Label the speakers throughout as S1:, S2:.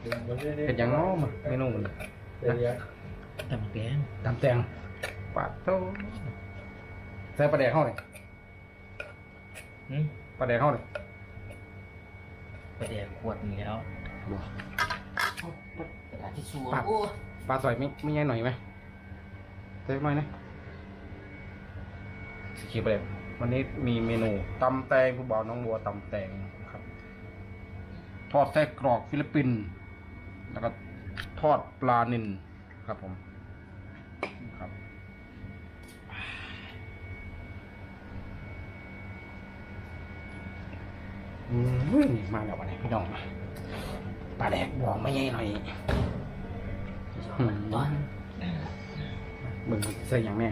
S1: เห็ดอย่างน้อมาเมนูมัน
S2: ตำแกง
S1: ตำแตงปาดโต้ใส่ปลาแดกเข้าเลยปลาแดกเข้าเลย
S2: ประเดี๋ยวขวดนี้แล้วกระดาษทิชชู่
S1: ปลาสอยไม่ใหญ่หน่อยไหมใส่หน่อยนะสกีปลาแดกวันนี้มีเมนูตำแตงผู้บ่าวน้องบัวตำแตงครับทอดไส้กรอกฟิลิปปินส์แล้วก็ทอดปลานิลครับผมครับมาแล้ววันนี้พี่น้องปลาแดกบอกไม่ใหญ่หน่อย
S2: ตอน
S1: เบิ่งใส่อย่างแม่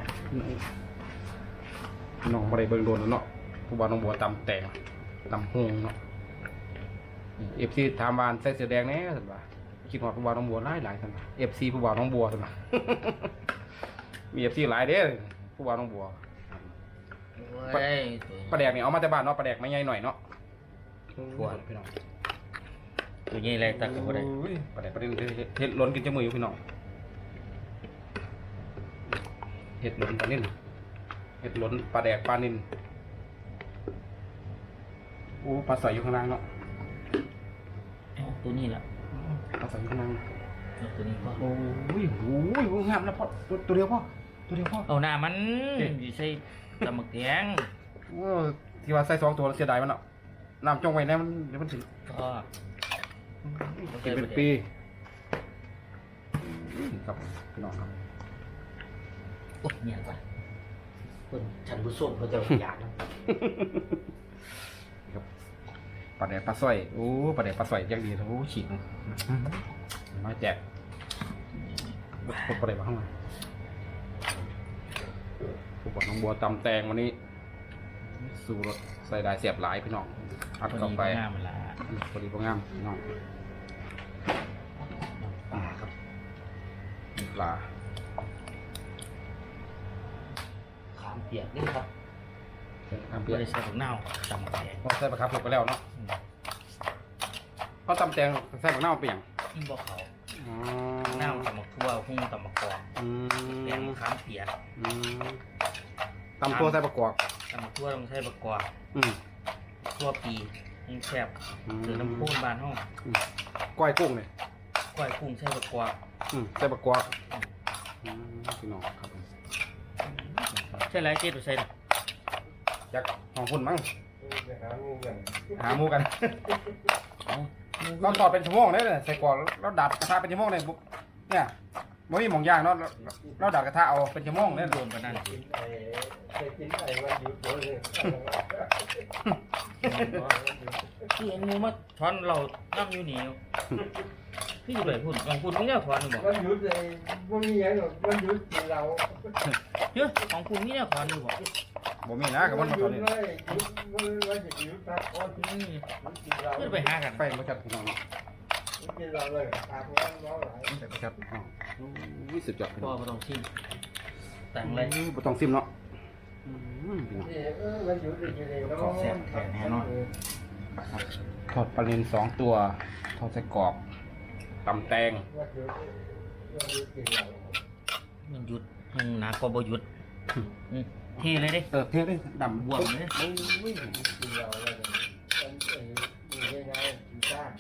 S1: น้องมาได้เบิ่งโดนแล้วเนาะผู้บ่าวน้องบัวตำแตงตำฮงเนาะเอฟซีถามวานใส่เสื้อแดงแน่สิบ่าคิดว่าผู้บ่าวน้องบัวหลายสันบ่าเอฟซีผู้บ่าวน้องบัวสิบ่ามีเอฟซีหลายเด้อผู้บ่าวน้องบัวปลาแดกเนี่ยเอามาแต่บ้านเนาะปลาแดกไม่ใหญ่หน่อยเนาะทั่วพี่น้อง
S2: ตัวนี้อะไรตักกับอะไร
S1: ปลาแดกปลาเด็นเห็ดล้นกินจมูกอยู่พี่น้องเห็ดล้นปลานิ่นเห็ดล้นปลาแดกปลานิ่นโอ้ปลาใสอยู่ข้างล่างเนาะ
S2: ตัวนี้แหละ
S1: ปลาใสอยู่ข้างล่าง
S2: ตัวนี้พ่อ
S1: โอ้ยงามนะพ่อตัวเดียวพ่อตัวเดียวพ่อ
S2: เอาหน้ามันอยู่ใส่ตำแกง
S1: ที่ว่าใส่2 ตัวเสียดายมันเนาะน้ำจ้องไว้แน่มันเดี๋ยวมันถึง
S2: ก็
S1: กินเป็นปีครับพี่น้องครับ
S2: โอ้ยเนี่ยก่อนคนฉันผู้ชมเขาจะอยาก
S1: ครับปลาแดกปลาสร้อยโอ้ปลาแดกปลาสร้อยยังดีนะโอ้ฉีกมาแจกปลาแดกมาข้างในผู้บอกน้องบัวตำแตงวันนี้สูรสใส่ได้เสียบหลายพี่น้องอัดเข้าไปพอดีพองามพี่น้องครับปลา
S2: ขามเปียกนี่ครับ
S1: น้ำเปี
S2: ไม่
S1: ยก
S2: ได้ใส่ผักเน่าตำแกง
S1: พอใส่ปลาครับถูกไปแล้วเนาะเขาตำแตงใส่ปลาเน่าเปลี่ยน
S2: บ่เขาเน่าตำมะทั่วหุ้งตำมะกอกแกงขามเปียก
S1: ตำตัวใส่ประกอบ
S2: ตำมะทั่วต้องใช้ประกอบ
S1: อืม
S2: ทั่วปีให้แซ่บหรือน้ำพุบานห้อง
S1: ก้อยกุ้งเนี่ย
S2: ก้อยกุ้งใช้ประกอบ
S1: ใส่ประกอบพี่น้องครับ
S2: ใช่ไรเจ๊ตัวใส่
S1: ยักษ์ของคุณมั้งหาหมูกันเราตอดเป็นชั่วโมงได้เลยใส่กรอกเราดัดกระทะเป็นชั่วโมงเลยปุ๊บเนี่ยไม่มีหม่องย่างเนาะเราดัดกระทะเอาเป็นชั่วโมงเลย
S2: รวมกันนั่นคืองูมาถอนเราน้ำอยู่เหนียวพี่อยู่ไหนพูดของคุณนี่เนี่ยถอนหรือเปล่า
S3: มันหยุดเลยมันมีอย่างหรอกมันหยุดกินเรา
S2: เยอะของคุณนี่เนี่ยถอนหรือเปล่า
S1: บ่มีนะกับมัน
S3: ห
S1: ต
S3: ยุ
S1: อน
S3: ด
S1: นี้
S3: เลยหยุดมันจะหยุดพักผ่อน
S2: นี่
S3: มันกินเรา
S2: เพื่อไปหากัน
S1: ไฟมาจัดพี่น้อง
S3: มันกินเราเลยตาพวกนั้นร้องหลาย
S1: ไฟมาจัดวิสุดยอดพี่
S2: พ่
S1: น้
S2: อ
S1: อง
S2: มาต้องชิมแต่งเลย
S1: บ่ต้องซิมเนาะพี่น้อง
S3: มันหยุดเลยอยู่เลยแล้ว
S1: ทอดปลาเนน2 ตัวทอดไส้กรอกตำแตง
S3: มันหยุดกินเรา
S2: มันหยุดมันหนักกว่าบ่หยุดเทเลยดิ
S1: เทเลยดำ
S2: บวมเลย
S3: กินเราเลยมันง่ายๆกินซ่า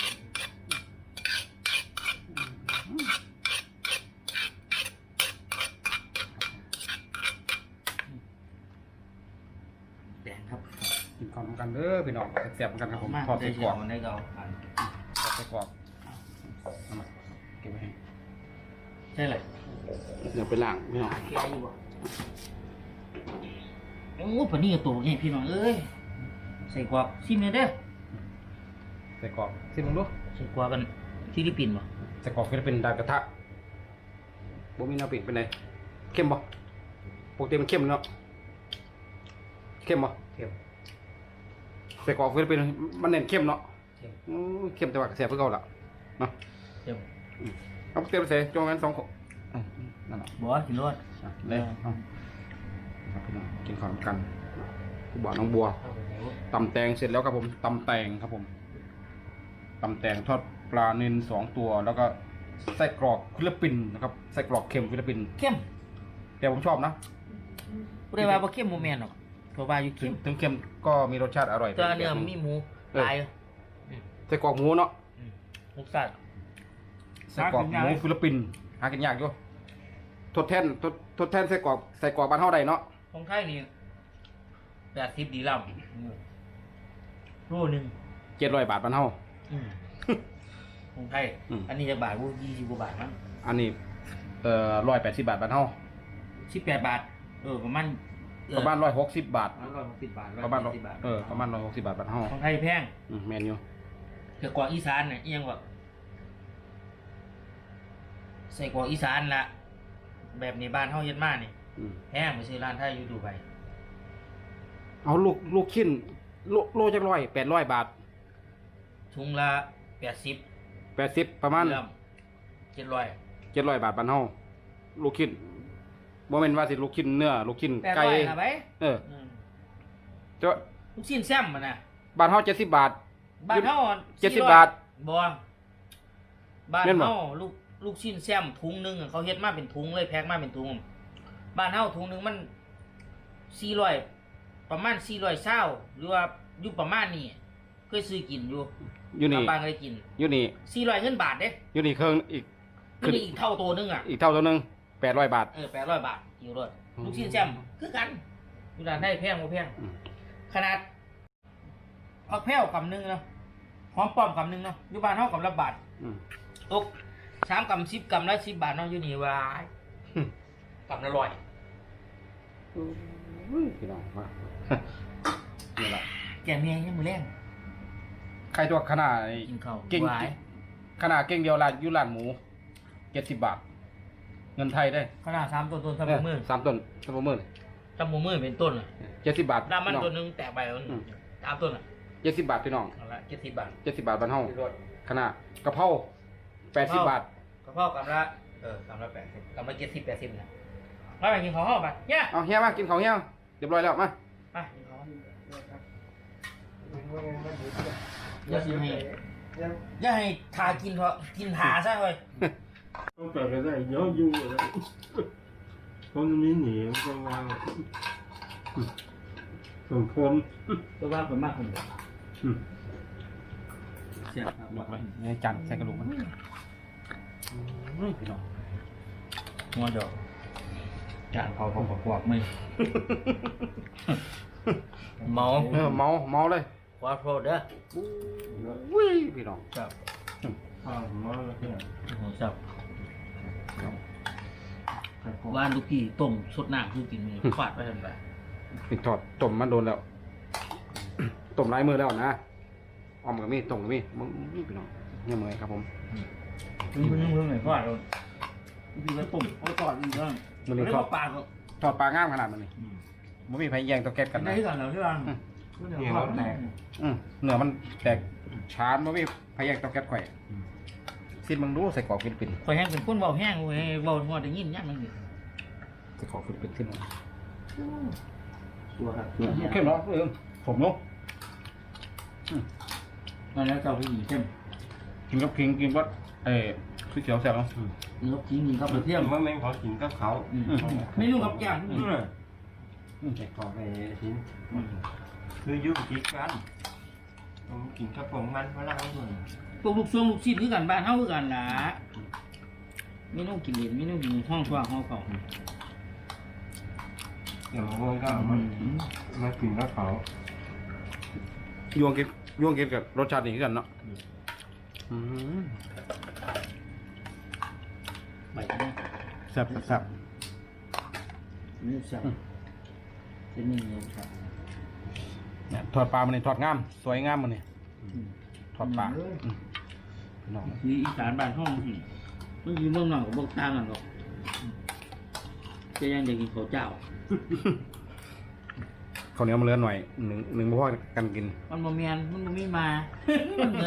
S2: แดงครับ
S1: กินข้าวกันเด้อพี่น้องแซ่บกันครับผมทอดไส้กรอก
S2: ได้เก่า
S1: ทอดไส้กรอกเอามาเก็บไว้ให้
S2: ใช่เลย
S1: เดี๋ยวไปล้างพี่น้อง
S2: แค่อยู่บ่โอ้ปนี่กับตัวนี่พี่น้องเอ้ยใส่กวากซิมเลยเด้อ
S1: ไส้กรอกซิมลองดู
S2: ใส่กวากกันฟิลิปปินส์บ่
S1: ไส้กรอกก็จะเป็นดากระทะบ่มีแนวปิดเป็นไงเข้มบ่ปกติมันเข้มเนาะเข้มบ่เข้มไส้กรอกก็จะเป็นมันเน้นเข้มเนาะเข้มแต่ว่าแซ่บเพื่อเก่าละเนาะ
S2: เดี๋ยว
S1: เอาเตรียมใส่จงกัน2 ขวดนั่นแหละ
S2: บ่กินรส
S1: เลยครับพี่น้องกินข้าวกันผู้บ่าวน้องบัวตำแตงเสร็จแล้วครับผมตำแตงครับผมตำแตงทอดปลาเนิน2 ตัว แล้วก็ไส้กรอกฟิลิปปินส์นะครับไส้กรอกเค็มฟิลิปปินส์
S2: เข้ม
S1: แต่ผมชอบนะ
S2: บ่ได้ว่าบ่เข้มบ่แม่นหรอกเพราะว่าอยู่
S1: ถึ
S2: เข้
S1: ง
S2: ม
S1: ถึงเค็มก็มีรสชาติอร่อย
S2: แต่เนื้อมีหมูหลาย
S1: ไส้กรอกหมูเนาะ
S2: รสชาติ
S1: ไส้กรอกหมูฟิลิปปินส์หากินยากอยู่ทดแทนไส้กรอกบ้านเฮาได้เนาะ
S2: ของไทยนี่80ดีลำโลนึง
S1: 700 บาทบ้านเฮา
S2: ของไทย
S1: อืม
S2: อันนี้จักบาทบ่20กว่าบาทมั้ง
S1: อันนี้180 บาทบ้านเฮา
S2: 18 บาทประมาณ
S1: ประมาณ160 บาท
S2: 160 บาท
S1: ประมาณ
S2: 170บาท
S1: ประมาณ160 บาทบ้านเฮา
S2: ของไทยแพง
S1: แม่นอยู่
S2: แต่กว่าอีสานน่ะเอียงว่าใส่กว่าอีสานละแบบนี้บ้านเฮาเฮ็ดมานี่
S1: อืม
S2: แพงไปซื้อร้านไทยอยู่ดูไบ
S1: เอาลูกชิ้นโลจัก800 บาท
S2: ถุงละ80
S1: 80ประมาณ
S2: เริ่ม700
S1: 700 บาทบ้านเฮาลูกชิ้นบ่แม่นว่าสิลูกชิ้นเนื้อลูกชิ้นไก่
S2: 800นะไป
S1: แต่ว่า
S2: ลูกชิ้นแซมมันน่ะ
S1: บ้านเฮา70 บาท
S2: บ้านเฮา
S1: 70 บาท
S2: บ่บ้าน
S1: แม่นบ่
S2: เฮาลูกชิ้นแซมถุงหนึงอะเขาเฮ็ดมาเป็นถุงเลยแพ็คมาเป็นถุงบ้านเฮาถุงหนึงมัน400ประมาณ420หรือว่าอยู่ประมาณนี้เคยซื้อกินอยู่
S1: อยู่นี่
S2: บางบ้านเคยกิน
S1: อยู่นี่
S2: 400เงินบาทเด้
S1: อยู่นี่เครื่องอีก
S2: ขึ้นอีกเท่าตัวนึงอ่ะ
S1: อีกเท่าตัวหนึง800 บาท
S2: 800 บาทอยู่รถ
S1: อืม
S2: ลูกชิ้นแซมคือกันอยู่ร้านได้แพงบ่แพง
S1: อืม
S2: ขนาดผักแพ้วกำนึงเนาะหอมป้อมกำนึงเนาะอยู่บ้านเฮากำละบาท
S1: อืม
S2: ตก3 กำ 10 กำละ10 บาทเนาะอยู่นี่ว่า
S1: อืม
S2: กำละ100
S1: พี่น้องมา นี่ล่ะ
S2: แกเมียยังมื้อแรง
S1: ใครตัวขนาด
S2: กินข้าว
S1: เก่ง
S2: หวาย
S1: ขนาดเก่งเดียวร้านอยู่ร้านหมู70 บาท เงินไทยได้
S2: ขนาด3ต้นๆซับมือ
S1: 3 ต้นซับมือ
S2: ซับมือเป็นต้นอ่ะ
S1: 70 บาท
S2: น้ำมัน
S1: พี่อง
S2: ตัวนึงแตกไปแล้ว
S1: อืม
S2: 3ต้นอ่ะ
S1: 70 บาทพี่น้อง
S2: เอาละ70 บาท
S1: 70 บาทบ้านเฮา
S2: อยู่รถ
S1: ขนาดกะเพรา80 บาท
S2: กระเพาะกำละกำละ80กำละ70 80นะมาไปกินข้าวห้องไปเนี่ย
S1: เอาเฮียมากินข้าวเฮียเรียบร้อยแล้วมา
S2: มากินข้าว
S3: ยัง
S2: อย่าให้ทากินเถอะกินหาซะเฮ้ย
S3: ต้องแต่ก็ได้ย้อนยุ่งเลยคนนี้หนีก็วางส่งคน
S2: ตัวว่าเป็นมากคนเดียวเสียบ
S1: บอกเลยในจานใส่กระดูกมันพี่น้อง
S2: หัวเดียวจานเขาประกอบไม่เมา
S1: เมาเลย
S2: ขอโทษเด้อ
S1: อุ้ยพี่น้อง
S2: ครับ
S3: ข้าวหม้อแล้วเนี่ย
S2: ผมจับว่านลูกพี่ต้มสดน้ำคือกินมือฟาดไปทันไป
S1: นี่ทอดต้มมันโดนแล้ว ต้มลายมือแล้วนะออมกับมีต้มกับมีมึงพี่น้องเนี่ยมือครับผม
S2: มึงหน่อยฟาดเราลูกพี่ก็ต้มเอาตอดอีกแล้ว
S1: มันนี่
S2: เรีย
S1: ท
S2: ก
S1: อด
S2: ว่าปลาก็
S1: ทอดปลางามขนาดมันนี่มันมีไฟแยงตัวแก๊สกัน
S2: ได้
S1: นะ
S2: ที่กันแล้วใช่ไหม
S3: เหนียวแตก
S1: เนื้อมันแตกชานมันมีไฟแยงตัวแก๊สไข่สิ้นมึงรู้ใส่กรอกฟิลิปปินส์
S2: คอยแห้งเป็นคนเบาแห้งเว้ยเบาหัวได้ยินเนี่ยมัน
S1: ใส่กรอกฟิลิปปินส์สิ้น
S2: ตัวครับ
S1: เข้มเนาะผมเนาะ
S2: นั่นแล้วเจ้าผู้หญิงเข้ม
S1: กินกับคิงกินกับคือเขียวแซ่บเนาะ
S2: เนื้อกิ้งกินข้าวเปลือกเทียม
S3: มันไม่ขอกินกับเขา
S2: ไม่รู้กับแก้ม
S3: แต่ขอไปทิ้งคือยุ่งกินกันผมกินกับผมมันมาแล้วคน
S2: พวกลูกช่วงลูกชิ้นคือกันบ้านเฮาคือกันล่ะไม่ต้องกินเย็นไม่ต้องกินห้องช่วงห้องเก่า
S3: เดี๋ยวมันก็มันมากินกับเขา
S1: ยวงกินกับรสชาตินี้กันเนาะ
S2: ใบนี้
S1: แซ่บแซ่บ
S2: นี่ใช่เป็นนี่เลยครับ
S1: เนี่ยทอดปลามันนี่ทอดงามสวยงามมันนี่ทอดปลาน้อง
S2: นี่อีสานบ้านห้องนี่มันอยู่เมืองนอกกับพวกต่างกันหรอกจะยังเด็กกินข้าวเจ้า
S1: ข้าวเหนียวมันเหลือหน่อยหนึ่งบ่พอกันกิน
S2: มันบ่แม่นมันบ่มีมา มันเหมือน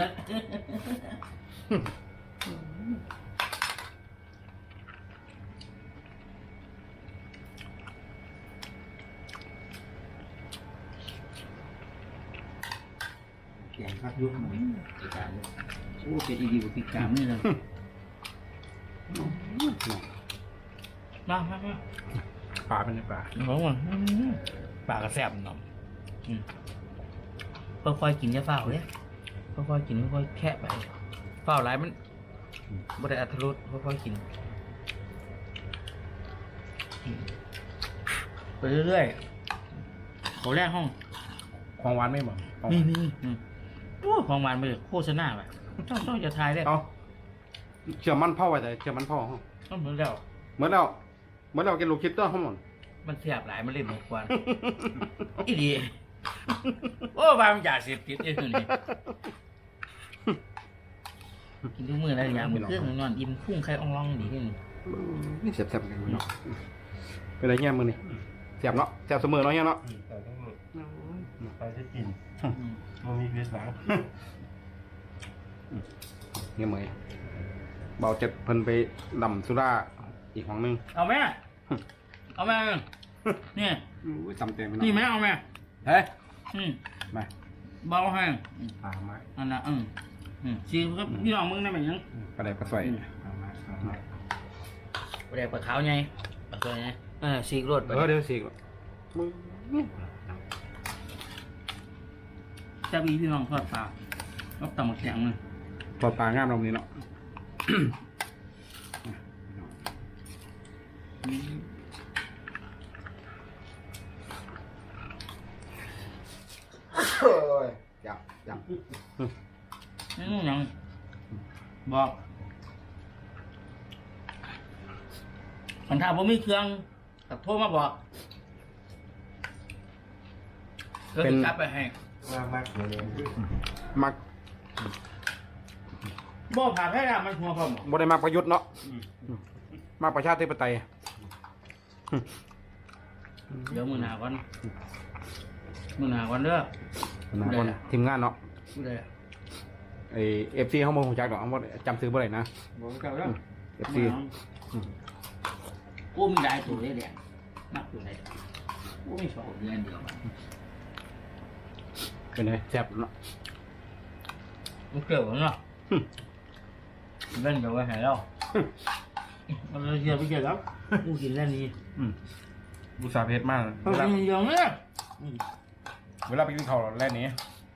S3: แกงข้าวยุบหมู
S2: อีสานอ้เป็นอีดีกว่าพริกกามนี่เลยมา
S1: ปลาเป็นไงปลา
S2: น้องว่ะปากกระแสบหน่อยค่อยๆกินจะเฝ้าเลยค่อยๆกินค่อยๆแค่ไปเฝ้าหลายมันบ่ได้อัตรสค่อยๆกินไปเรื่อยๆเขาแรกห้อง
S1: ของหวานไม่หมด
S2: นี่โอ้ของหวานไปโฆษณาไปต้องจะทายได้
S1: เอาเชื่อมันเผาไว้แต่เชื่อมันเผาห้อง
S2: ต้องเหมือนแล้ว
S1: เหมือนเรากินลูกคิดตัวห้องหมด
S2: มันเสียบหลายมันเล่นหมดกว่าอีดีโอ้บางอยากเสียบติดไอ้ตัวนี้กินทุกมื้ออะไรอย่างมันเครื่องนอนอิ่มพุ่งไข่อ่องร่องดีที่นี่
S1: นี่เสียบกันเนาะเป็นไรเงี้ยมือนี่เสียบเนาะเสียบเสมอเนาะเงี้ยเนาะ
S3: แต่ต้องไปที่กินมันมีพิษหลัง
S1: เงี้ยเหมยเบาเจ็ดเพิ่นไปดำสุราอีกห้องนึง
S2: เอาไหมเนี่ย
S1: อุ้ยจำเต็มไป
S2: นี่ไหมเอาไหม
S1: เฮ้ย มา
S2: เบาให้
S3: ปลาไม้
S2: อันน่ะซีก็พี่น้องมึงได้ไหมยัง
S1: ปลาแดกปลาสวย
S3: ปลาไม้ปลาไม้
S2: ปลาแดกปลาขาวไงปลาสวยไงซีกรด
S1: เดี๋ยวสิมึง
S2: จะมีพี่น้องทอดปลาก็ตำหมกแข็งเลย
S1: ปลาปลางามเรานี้เนาะ โอ้ยจับ
S2: นี่นู่นยังบอกคันถ้าผมมีเครื่องตัดโทรมาบอกก็จะกลับไปให้
S3: มากเลย
S1: มัก
S2: บอกผ่าแพ้ละมันหัวผม
S1: บ่ได้มักประยุทธ์เนาะมักประชาธิปไตย
S2: เดี๋ยวมือหนาก่อนเด้อ
S1: นะคนทีมงานเนาะ
S2: พูดเลย
S1: ไอFC เขาบ่ฮู้จักดอกเขาบ่จำซื้อบ่ได้นะ
S3: บอกกันแล้ว
S1: FC
S2: กูมีได้ตัวได้แดงมากตัวได้กูไม่ชอบเดือนเดียว
S1: เป็นไงแซ่บเนาะ
S2: มันเกี่ยวกันเนาะเล่นกับไว้ให้เราเราเชียร์ไปเจอครับกูกินเล่นนี้
S1: บุษาเพชรมาก
S2: เวลาอย่างเนี้ย
S1: เวลาไปกินข้าวแล่นนี้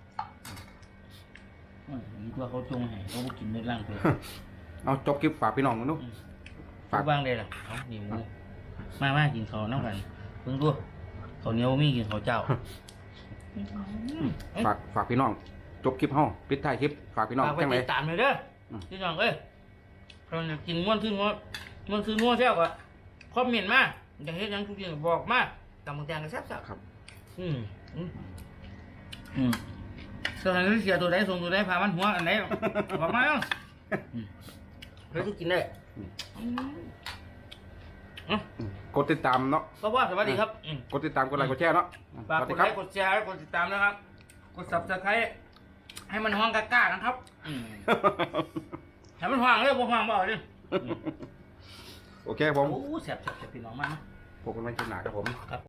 S2: นี่ตัวเขาจงให้เขากินในร่างตัว
S1: เอาจบคลิปฝากพี่น้องกันดู
S2: ฝากบ้างเลยล่ะเขาหนีหมูมากินเขาน้ำกันเพิ่งดูเขาเหนียวมีกินเขาเจ้า
S1: ฝากพี่น้องจบคลิปเฮาปิดท้ายคลิปฝากพี่น้อง
S2: ฝากไป
S1: จังได
S2: ติดตามเลยเด้อพี่น้องเอ้ยเราจะกินม้วนซื้อม้วนแซ่บกว่าคอมเมนต์มาอยากเห็นยังทุกอย่างบอกมาตำบักแตงกันแซ่บ
S1: ครับ
S2: สถานที่เสียตัวใดส่งตัวใดพามันหัวอันไหนบอกมาเนาะเฮ้ยทุกกินได้
S1: กดติดตามเนาะ
S2: ก็ว่าสวัสดีครับ
S1: กดติดตามกดไลค์กดแชร์เนาะ
S2: ฝาก
S1: สวัส
S2: ก
S1: ดี
S2: ด
S1: ค
S2: ไล
S1: รับ
S2: ค์กดแชร์กดติดตามนะครับ กด subscribe ให้มันห้องกล้าๆนะครับให้มันห้องเลยบ่ห้องบ่เอาดิ
S1: โอเคครับผม
S2: โอ้แซ่บพี่น้องมากนะ
S1: พบกันใหม่คลิปหน้าครับผม